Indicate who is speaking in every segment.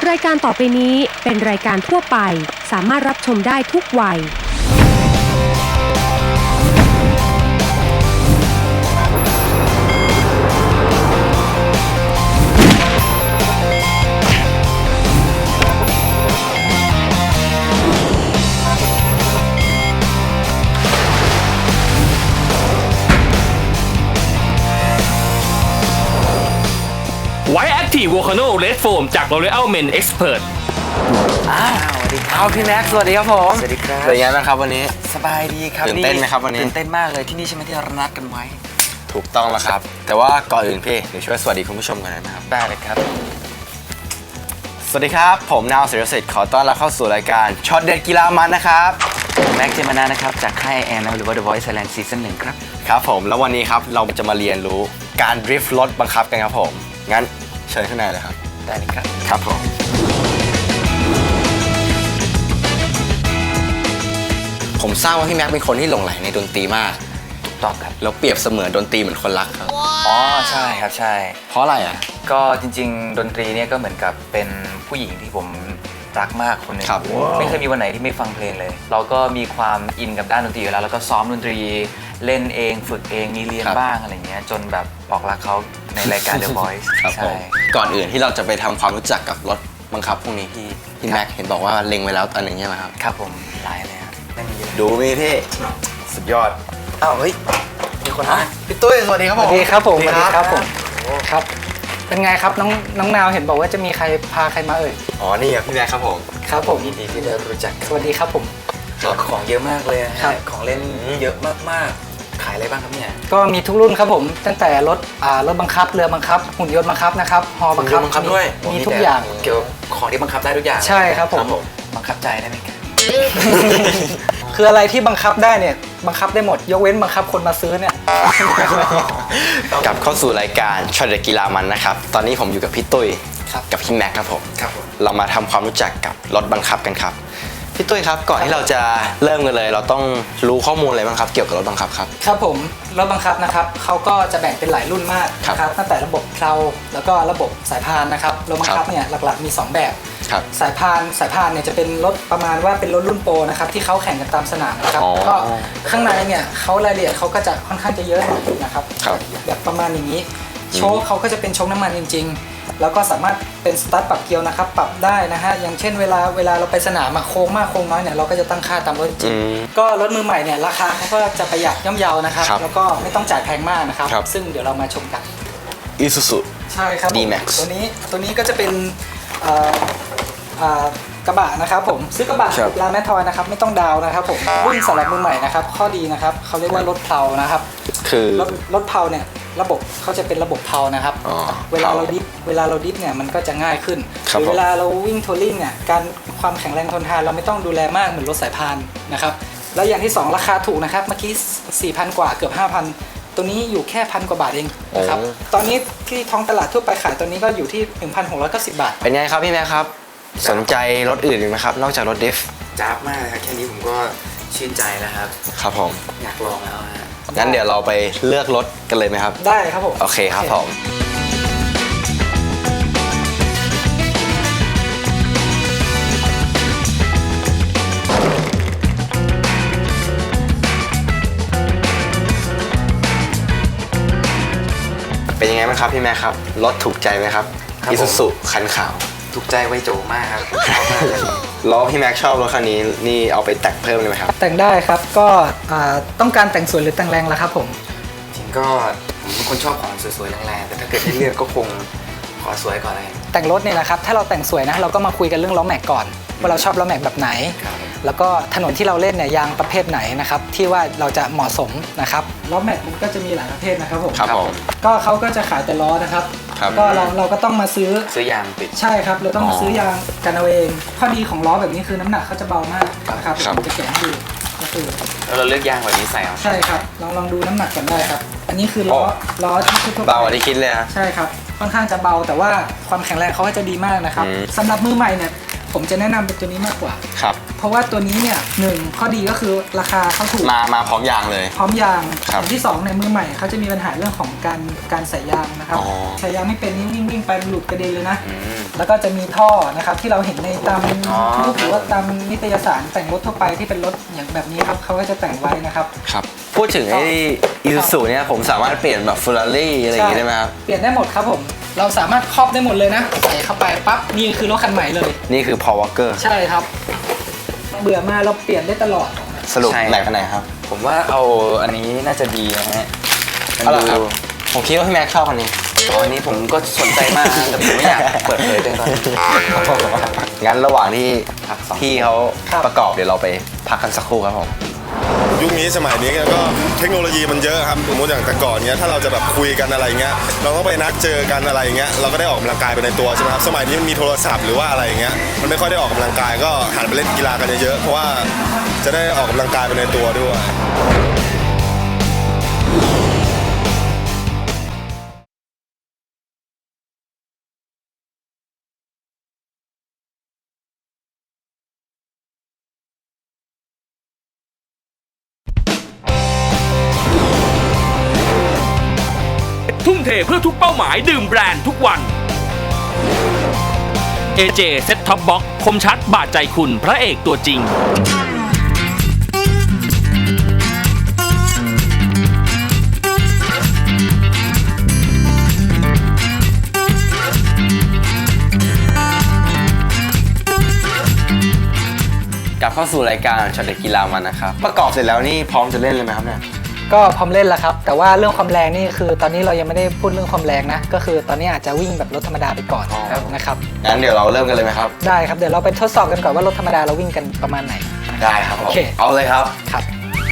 Speaker 1: รายการต่อไปนี้เป็นรายการทั่วไปสามารถรับชมได้ทุกวัย
Speaker 2: ไวท์แอคทีฟโวคาโนเรดโฟมจาก L'Oreal Men Expert
Speaker 3: สวัสดีครับพี่แม็กซ์สวัสดีครับผมสวัสดีครับ
Speaker 4: เป็นไงบ้างครับวันนี้
Speaker 3: สบายดีครับ
Speaker 4: ตื่นเต้นไหมครับวันนี้
Speaker 3: ตื่นเต้นมากเลยที่นี่ใช่ไหมที่เรานัดกันไว้
Speaker 4: ถูกต้องแล้วครับ แต่ว่าก่อนอื่นพี่เดี๋ยวช่วยสวัสดีคุณผู้ชมกันนะครับ
Speaker 3: ได้เลยครับ
Speaker 4: สวัสดีครับผมนาวศิริสิทธิ์ขอต้อนรับเข้าสู่รายการช็อตเด็ดกีฬามันนะครับ
Speaker 3: แม็กซ์เจมานานะครับจากค่ายแอนหรือว่า The Voice Thailand Season 1ครับ
Speaker 4: ครับผมแล้ววันนี้ครับเราจะมาเรียนรู้การดริฟท์รถบังคับกันครับผมงั้นเชิญข้างในเลยครับ
Speaker 3: ได้เลยครับ
Speaker 4: ครับผมผมทราบว่าพี่แม็กเป็นคนที่หลงใหลในดนตรีมาก
Speaker 3: ถูกต้องครับ
Speaker 4: แล้วเปรียบเสมือนดนตรีเหมือนคนรักครับ
Speaker 3: อ๋อใช่ครับใช่
Speaker 4: เพราะอะไรอ่ะ
Speaker 3: ก็จริงๆ ดนตรีเนี่ยก็เหมือนกับเป็นผู้หญิงที่ผมรักมากคนหนึ่ง
Speaker 4: ครับ
Speaker 3: ไม่เคยมีวันไหนที่ไม่ฟังเพลงเลย เราก็มีความอินกับด้านดนตรีอยู่แล้วแล้วก็ซ้อมดนตรีเล่นเองฝึกเองมีเรียนบ้างอะไรเงี้ยจนแบบบอกรักเขาในรายการ The Voice
Speaker 4: ครับผ
Speaker 3: ใช่
Speaker 4: มก่อนอื่นที่เราจะไปทำความรู้จักกับรถบังคับพวกนี้พี่แม็กเห็นบอกว่าเล็งไว้แล้วอันหนึ่งใช่ไหมครับ
Speaker 3: ครับผมหลายเลยครับไม่มีเยอะ
Speaker 4: ดูมีพี่สุดยอด
Speaker 3: อ้าวเฮ้ยมีคนมา
Speaker 4: พี่ตุ้ยสวัสดีครับ
Speaker 5: ส
Speaker 4: ผม
Speaker 5: วัสดีครับผมสวัสดีครับผมครับเป็นไงครับน้องนาวเห็นบอกว่าจะมีใครพาใครมาเอ่ย
Speaker 4: อ๋อนี่ครับพี่แม็กครับผม
Speaker 5: ครับผม
Speaker 3: ยินดีที่ได้รู้จัก
Speaker 5: สวัสดีครับผม
Speaker 3: ของเยอะมากเลยนะฮะ
Speaker 5: ครับ
Speaker 3: ของเล่นเยอะมากๆ ขายอะไรบ้างครับเนี่ย
Speaker 5: ก็มีทุกรุ่นครับผมตั้งแต่รถบังคับเรือบังคับหุ่นยนต์บังคับนะครับฮอบังคับ
Speaker 4: หุ่นยนต์บังคับด้วย
Speaker 5: มีทุกอย่าง
Speaker 3: เกี่ยวกับของที่บังคับได้ทุกอย่าง
Speaker 5: ใช่ครับผม
Speaker 3: บังคับใจได้ไหมครับ
Speaker 5: คืออะไรที่บังคับได้เนี่ยบังคับได้หมดยกเว้นบังคับคนมาซื้อเนี่ย
Speaker 4: กลับเข้าสู่รายการช็อตเด็ดกีฬามันนะครับตอนนี้ผมอยู่กับพี่ตุ้ย
Speaker 5: ครับ
Speaker 4: กับพี่แม็กครับผม
Speaker 3: ครับผม
Speaker 4: เรามาทำความรู้จักกับรถบังคับกันครับพี่ตุ้ยครับก่อนที่เราจะเริ่มกันเลย เราต้องรู้ข้อมูลอะไรบ้างครับเกี่ยวกับรถบังคับครับ
Speaker 5: ครับผมรถบังคับนะครับเขาก็จะแบ่งเป็นหลายรุ่นมาก
Speaker 4: ครับ
Speaker 5: นะครับตั้งแต่ระบบเพลาแล้วก็ระบบสายพานนะครับรถบังคับเนี่ยหลักๆมี 2 แบบ
Speaker 4: ครับ
Speaker 5: สายพานเนี่ยจะเป็นรถประมาณว่าเป็นรถรุ่นโปรนะครับที่เขาแข่งกันตามสนามนะครับ
Speaker 4: อ๋อ
Speaker 5: ก็ข้างในเนี่ยเขารายละเอียดเขาก็จะค่อนข้างจะเยอะหน่อยนะครับ
Speaker 4: ครับ
Speaker 5: แบบประมาณอย่างนี้โชคเขาก็จะเป็นโชคน้ำมันจริงๆ แล้วก็สามารถเป็นสตาร์ทปรับเกียร์นะครับปรับได้นะฮะอย่างเช่นเวลาเราไปสนามโค้งมากโค้งน้อยเนี่ยเราก็จะตั้งค่าตามรถจริงก็รถมือใหม่เนี่ยราคาเขาก็จะประหยัดย่อมเยานะครับ
Speaker 4: ครับ
Speaker 5: แล้วก็ไม่ต้องจ่ายแพงมากนะครับ
Speaker 4: ครับ
Speaker 5: ซึ่งเดี๋ยวเรามาชมกัน
Speaker 4: อีซูซู
Speaker 5: ใช่ครับผม
Speaker 4: D-Max
Speaker 5: ตัวนี้ก็จะเป็นเอ่อกระบะนะครับผมซื้อกระบะ
Speaker 4: ครับ
Speaker 5: ร้านแมททอยนะครับไม่ต้องดาวน์นะครับผมรุ่นสำหรับมือใหม่นะครับข้อดีนะครับเขาเรียกว่ารถเพลานะครับ
Speaker 4: คือ
Speaker 5: รถเพลาเนี่ยระบบเขาจะเป็นระบบเพลานะครับ
Speaker 4: อ๋อ
Speaker 5: เวลาเราดิฟเนี่ยมันก็จะง่ายขึ้น
Speaker 4: ครับ
Speaker 5: หรือ
Speaker 4: ผม
Speaker 5: เวลาเราวิ่งทัวริงเนี่ยการความแข็งแรงทนทานเราไม่ต้องดูแลมากเหมือนรถสายพานนะครับแล้วอย่างที่สองราคาถูกนะครับเมื่อกี้ 4,000 กว่าเกือบ 5,000 ตัวนี้อยู่แค่1,000 กว่าบาทเองนะครับตอนนี้ที่ท้องตลาดทั่วไปขายตัวนี้ก็อยู่ที่ 1,690 บาท
Speaker 4: เป็นไงครับพี่แม็กครับสนใจรถอื่นอีกไหมครับนอกจากรถดิฟ
Speaker 3: จ้าบมากเลยครับแค่นี้ผมก็ชื่นใจแล้วครับ
Speaker 4: ครับผม
Speaker 3: อยากลองแล้วฮะ
Speaker 4: งั้นเดี๋ยวเราไปเลือกรถกันเลยไหมครับ
Speaker 5: ได้ครับผม
Speaker 4: โอเคครับผมเป็นยังไงบ้างครับพี่แม่ครับรถถูกใจไหมครับอีซูซูคันขาว
Speaker 3: ถูกใจไวโจมากครับชอบมากเลย
Speaker 4: ล้อพี่แม็กชอบรถคันนี้นี่เอาไปแต่งเพิ่มเลยไหมครับ
Speaker 5: แต่งได้ครับก็ต้องการแต่งสวยหรือแต่งแรงล่ะครับผม
Speaker 3: จริงก็ผมเป็นคนชอบของสวยๆแรงๆแต่ถ้าเกิดให้เลือกก็คงขอสวยก่อนเลย
Speaker 5: แต่งรถเนี่ยนะครับถ้าเราแต่งสวยนะเราก็มาคุยกันเรื่องล้อแม็กก่อนว่าเราชอบล้อแม็กแบบไหน
Speaker 3: ครับ
Speaker 5: แล้วก็ถนนที่เราเล่นเนี่ยยางประเภทไหนนะครับที่ว่าเราจะเหมาะสมนะครับล้อแม็กมันก็จะมีหลายประเภทนะครับผม
Speaker 4: ครับผม
Speaker 5: ก็เขาก็จะขายแต่ล้อนะครับ
Speaker 4: ครับ
Speaker 5: ก็เราก็ต้องมาซื้อ
Speaker 3: ซื้อยางติด
Speaker 5: ใช่ครับเราต้องมาซื้อยางกันเอาเองข้อดีของล้อแบบนี้คือน้ำหนักเขาจะเบามากนะครับ
Speaker 4: ครับ
Speaker 5: ผมจะแกะให้ดูก็คือ
Speaker 3: แล้วเราเลือกยางแบบนี้ใส่เอา
Speaker 5: ใช่ครับลองดูน้ำหนักกันได้ครับ อันนี้คือล้อที่ทั่วไป
Speaker 4: เบากว่าที่คิดเลยนะ
Speaker 5: ใช่ครับค่อนข้างจะเบาแต่ว่าความแข็งแรงเขาก็จะดีมากนะครับ
Speaker 4: อืม
Speaker 5: สำหรับมือใหม่เนี่ยผมจะแนะนำเป็นตัวนี้มากกว่า
Speaker 4: ครับ
Speaker 5: เพราะว่าตัวนี้เนี่ยหนึ่งข้อดีก็คือราคาเขาถูก
Speaker 4: มาพร้อมยางเลย
Speaker 5: พร้อมยาง
Speaker 4: ครับ
Speaker 5: อย่างที่2ในมือใหม่เขาจะมีปัญหาเรื่องของการใส่ยางนะครับ
Speaker 4: อ๋อ
Speaker 5: ใส่ยางไม่เป็นนี่วิ่งไปหลุดกระเด็นเลยนะ
Speaker 4: อืม
Speaker 5: แล้วก็จะมีท่อนะครับที่เราเห็นในตาม
Speaker 4: อ๋อ
Speaker 5: รูปหรือว่าตามนิตยสารแต่งรถทั่วไปที่เป็นรถอย่างแบบนี้ครับเขาก็จะแต่งไว้นะครับ
Speaker 4: ครับ พูดถึงไอ้อีซูซูเนี่ยผมสามารถเปลี่ยนแบบเฟอร์รารี่อะไรอย่างงี้ได้ไหมครับ
Speaker 5: เปลี่ยนได้หมดครับผมเราสามารถครอบได้หมดเลยนะใส่เข้าไปปั๊บนี่คือรถคันใหม่เลย
Speaker 4: นี่คือ Paul Walker
Speaker 5: ใช่ครับ เบื่อมาเราเปลี่ยนได้ตลอด
Speaker 4: สรุป
Speaker 3: ใช่
Speaker 4: ไหนกันไหนครับ
Speaker 3: ผมว่าเอาอันนี้น่าจะดีนะฮะมัน
Speaker 4: เอาล่ะครับ
Speaker 3: ดู
Speaker 4: ผมคิดว่าพี่แม็กชอบอันนี้
Speaker 3: ตอนนี้ผมก็สนใจมากนะแต่ผมไม่อยากเปิดเผยตัวตอนนี้
Speaker 4: งั้นระหว่างที่
Speaker 3: พักสอง
Speaker 4: พี่เขาประกอบเดี๋ยวเราไปพักกันสักครู่ครับผม
Speaker 6: ยุคนี้สมัยนี้ก็เทคโนโลยีมันเยอะครับสมมติอย่างแต่ก่อนเนี้ยถ้าเราจะแบบคุยกันอะไรเงี้ยเราต้องไปนัดเจอกันอะไรเงี้ยเราก็ได้ออกกำลังกายไปในตัวใช่ไหมครับสมัยนี้มันมีโทรศัพท์หรือว่าอะไรเงี้ยมันไม่ค่อยได้ออกกำลังกายก็หันไปเล่นกีฬากันเยอะๆเพราะว่าจะได้ออกกำลังกายไปในตัวด้วย
Speaker 2: ทุ่มเทเพื่อทุกเป้าหมายดื่มแบรนด์ทุกวัน AJ Set Top Box คมชัดบาดใจคุณพระเอกตัวจริง
Speaker 4: กลับเข้าสู่รายการช็อตเด็ดกีฬามันนะครับประกอบเสร็จแล้วนี่พร้อมจะเล่นเลยไหมครับเนี่ย
Speaker 5: ก็พร้อมเล่นแล้วครับแต่ว่าเรื่องความแรงนี่คือตอนนี้เรายังไม่ได้พูดเรื่องความแรงนะก็คือตอนนี้อาจจะวิ่งแบบรถธรรมดาไปก่อน
Speaker 4: อ๋อ
Speaker 5: นะครับ
Speaker 4: งั้นเดี๋ยวเราเริ่มกันเลยไหมครับ
Speaker 5: ได้ครับเดี๋ยวเราไปทดสอบกันก่อนว่ารถธรรมดาเราวิ่งกันประมาณไหน
Speaker 4: ได้ครับผม
Speaker 5: โอเค
Speaker 4: เอาเลยครับ
Speaker 5: ครับ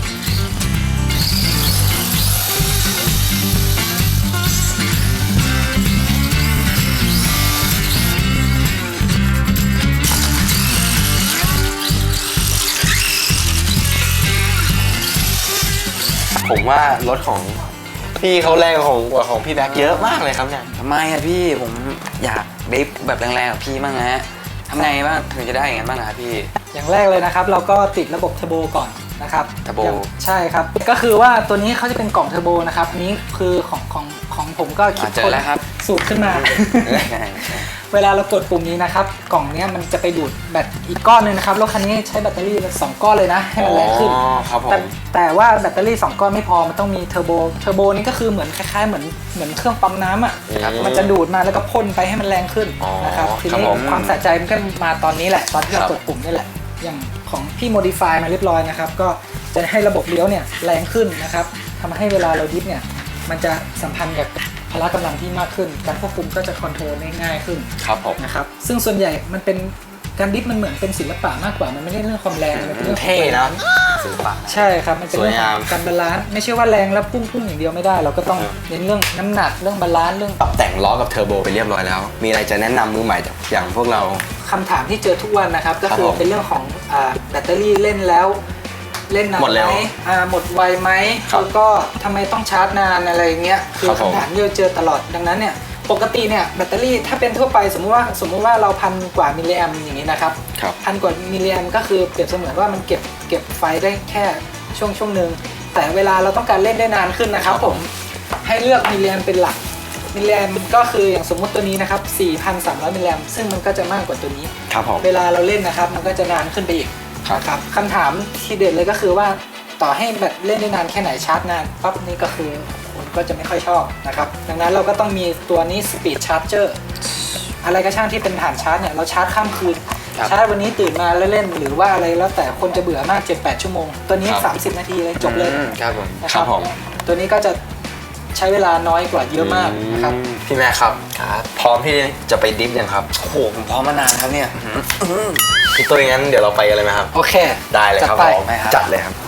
Speaker 4: ผมว่ารถของพี่เขาแรงกว่าของพี่แบ็คเยอะมากเลยครับเนี่ย
Speaker 3: ทำไมอะพี่ผมอยากดริฟต์แบบแรงๆกับพี่บ้างนะฮะทำไงบ้างถึงจะได้อย่างนั้นบ้างนะครับพี่
Speaker 5: อย่างแรกเลยนะครับเราก็ติดระบบเทอร์โบก่อนนะครับ
Speaker 3: เทอร์โบ
Speaker 5: ใช่ครับก็คือว่าตัวนี้เขาจะเป็นกล่องเทอร์โบนะครับอันนี้คือของผมก็คิด
Speaker 3: เจอแล้วครับ
Speaker 5: สูตรขึ้นมา
Speaker 3: ใช่ใช่
Speaker 5: เวลาเรากดปุ่มนี้นะครับกล่องเนี้ยมันจะไปดูดแบตอีกก้อนหนึงนะครับรถคันนี้ใช้แบตเตอรี่2ก้อนเลยนะให้มันแรงขึ้น
Speaker 4: อ๋อครับผม
Speaker 5: แต่ว่าแบตเตอรี่2ก้อนไม่พอมันต้องมีเทอร์โบนี่ก็คือเหมือนคล้ายๆเหมือนเครื่องปั๊มน้ำอ่ะ
Speaker 4: ครับ
Speaker 5: มันจะดูดมาแล้วก็พ่นไปให้มันแรงขึ้น
Speaker 4: อ๋อ
Speaker 5: นะครับที
Speaker 4: ครับ
Speaker 5: นี้
Speaker 4: ผม
Speaker 5: ความสะใจมันก็มาตอนนี้แหละตอนที่เรา
Speaker 4: ครับ
Speaker 5: กดปุ่มนี่แหละอย่างของพี่โมดิฟายมาเรียบร้อยนะครับก็จะให้ระบบเลี้ยวเนี่ยแรงขึ้นนะครับทำให้เวลาเราดิฟเนี่ยมันจะสัมพันธ์กับพละกำลังที่มากขึ้น การควบคุมก็จะคอนโทรลได้ง่ายขึ้น
Speaker 4: ครับผม
Speaker 5: นะครับซึ่งส่วนใหญ่มันเป็นการดิฟมันเหมือนเป็นศิลปะมากกว่ามันไม่ได้เรื่องความแรงมันเป็นเรื่องของ
Speaker 4: เท่นะ
Speaker 3: ศิลปะ
Speaker 5: ใช่ครับมันเป็นเรื่อง
Speaker 4: สวย
Speaker 5: ข
Speaker 4: งา
Speaker 5: อ
Speaker 4: ม
Speaker 5: งการบาลานซ์ไม่ใช่ว่าแรงแล้วพุ่งอย่างเดียวไม่ได้ เราก็ต้องเน้นเรื่องน้ำหนักเรื่องบาลานซ์เรื่อง
Speaker 4: ปรับแต่งล้อกับเทอร์โบไปเรียบร้อยแล้ว มีอะไรจะแนะนำมือใหม่อย่างพวกเรา
Speaker 5: คำถามที่เจอทุกวันนะครับก็
Speaker 4: ครับ
Speaker 5: คือ
Speaker 4: ผม
Speaker 5: เป็นเรื่องของแบตเตอรี่เล่นแล้วเล่นนาน
Speaker 4: หมดเร็ว
Speaker 5: ไหมหมดไวไหม
Speaker 4: ครับ
Speaker 5: แล้วก็ทำไมต้องชาร์จนานอะไรอย่างเงี้ยคือ
Speaker 4: ครับผม
Speaker 5: คำถามที่เราเจอตลอดดังนั้นเนี่ยปกติเนี่ยแบตเตอรี่ถ้าเป็นทั่วไปสมมุติว่าเราพันกว่ามิลลิแอมอย่างนี้นะครับ
Speaker 4: ครับ
Speaker 5: พันกว่ามิลลิแอมก็คือเปรียบเสมือนว่ามันเก็บไฟได้แค่ช่วงหนึ่งแต่เวลาเราต้องการเล่นได้นานขึ้นนะครับผมให้เลือกมิลลิแอมเป็นหลักมิลลิแอมก็คืออย่างสมมุติตัวนี้นะครับ 4,300 มิลลิแอมซึ่งมันก็จะมากกว่าตัวนี้
Speaker 4: ครับผม
Speaker 5: เวลาเราเล่นนะครับมันก็จะนานขึ้นไปอีก
Speaker 4: ครับ
Speaker 5: นะครับคำถามที่เด็ดเลยก็คือว่าต่อให้แบตเล่นได้นานแค่ไหนชาร์จนานปั๊บนี่ก็คือคนก็จะไม่ค่อยชอบนะครับดังนั้นเราก็ต้องมีตัวนี้ Speed Charger อะไรก็ช่างที่เป็นฐานชาร์จเนี่ยเราชาร์จข้ามคืน
Speaker 3: ครับ
Speaker 5: ชาร์จวันนี้ตื่นมาแล้วเล่นหรือว่าอะไรแล้วแต่คนจะเบื่อมาก 7-8 ชั่วโมง ตัวนี้
Speaker 4: ครับ
Speaker 5: 30 นาทีเลยจบเลย
Speaker 3: ครับผม
Speaker 5: นะค
Speaker 4: ครั
Speaker 5: รับบ
Speaker 4: ผม
Speaker 5: ตัวนี้ก็จะใช้เวลาน้อยกว่าเยอะมากนะครับ
Speaker 4: พี่แม่ครับ
Speaker 3: ครับ
Speaker 4: พร้อมที่จะไปดิฟยังครับ
Speaker 3: โอ้โหผมพร้อมมานานครับเนี่ย
Speaker 4: พี่ตุ้ยงั้นเดี๋ยวเราไปกันเลยไหมครับ
Speaker 5: โอเค
Speaker 4: ได้เลยครับ
Speaker 5: จัดไป
Speaker 4: ผมจัดเลยครับ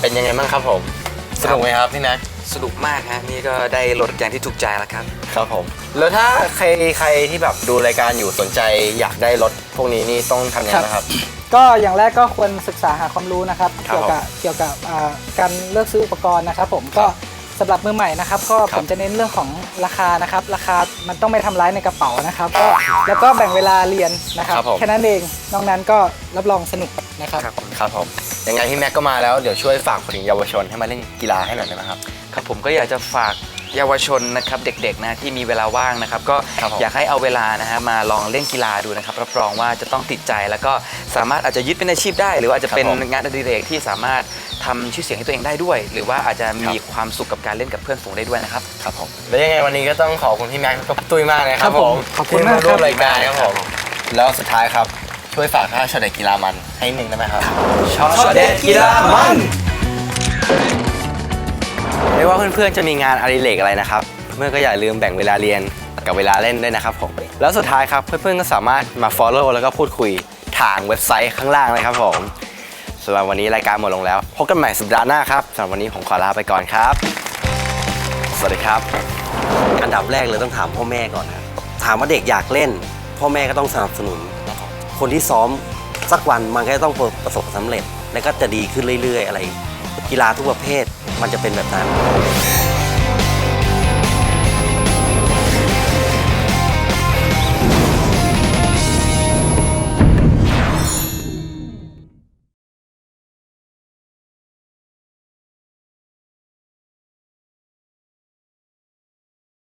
Speaker 4: เป็นยังไงบ้างครับผมสนุกไหมครับพี่แม็ก
Speaker 3: สนุกมากฮะนี่ก็ได้รถอย่างที่ถูกใจแล้วครับ
Speaker 4: ครับผมแล้วถ้าใครที่แบบดูรายการอยู่สนใจอยากได้รถพวกนี้นี่ต้องทำยังไงนะครับ
Speaker 5: ก็อย่างแรกก็ควรศึกษาหาความรู้นะครับ
Speaker 4: ครับ
Speaker 5: เกี่ยวกับการเลือกซื้ออุปกรณ์นะครับผมก็สำหรับมือใหม่นะครับก็
Speaker 4: ครับ
Speaker 5: ผมจะเน้นเรื่องของราคานะครับราคามันต้องไม่ทำร้ายในกระเป๋านะครับก็แล้วก็แบ่งเวลาเรียนนะครับ
Speaker 4: ครับผม
Speaker 5: แค่นั้นเองนอกนั้นก็รับรองสนุกนะครับ
Speaker 4: ครับผมยังไงพี่แม็กก็มาแล้วเดี๋ยวช่วยฝากถึงเยาวชนให้มาเล่นกีฬาให้หน่อยได้ไหมครับ
Speaker 3: ครับผมก็อยากจะฝากเยาวชนนะครับเด็กๆนะที่มีเวลาว่างนะครับก็
Speaker 4: ครับผม
Speaker 3: อยากให้เอาเวลานะฮะมาลองเล่นกีฬาดูนะครับรับรองว่าจะต้องติดใจแล้วก็สามารถอาจจะยึดเป็นอาชีพได้ หรือว่าอาจจะเป็นงานอดิเรกที่สามารถทำชื่อเสียงให้ตัวเองได้ด้วย หรือว่าอาจจะมีความสุขกับการเล่นกับเพื่อนฝูงได้ด้วยนะครับ
Speaker 4: ครับผมแล้วยังไงวันนี้ก็ต้องขอบคุณพี่แม็กกับพี่ตุ้ยมากเลยครับผม
Speaker 5: ขอบคุณมาก
Speaker 4: ที่ร่วม
Speaker 5: ครับ
Speaker 4: รายการครับผมแล้วสุดท้ายครับช่วยฝากท่าช็อตเด็ดกีฬามันให้หนึ่งได้ไหมครับ
Speaker 3: ช็อตเด็ดกีฬามัน
Speaker 4: ไม่ว่าเพื่อนๆจะมีงานอดิเรกอะไรนะครับเพื่อนๆก็อย่าลืมแบ่งเวลาเรียนกับเวลาเล่นด้วยนะครับผมแล้วสุดท้ายครับเพื่อนๆก็สามารถมา follow แล้วก็พูดคุยทางเว็บไซต์ข้างล่างเลยครับผมสำหรับวันนี้รายการหมดลงแล้วพบกันใหม่สัปดาห์หน้าครับสำหรับวันนี้ผมขอลาไปก่อนครับสวัสดีครับ
Speaker 7: อันดับแรกเลยต้องถามพ่อแม่ก่อนครับถามว่าเด็กอยากเล่น พ่อแม่ก็ต้องสนับสนุน คนที่ซ้อมสักวันมันก็ต้องประสบความสำเร็จ แล้วก็จะดีขึ้นเรื่อยๆ อะไร กีฬาทุกประเภทมันจะเป็นแบบนั้น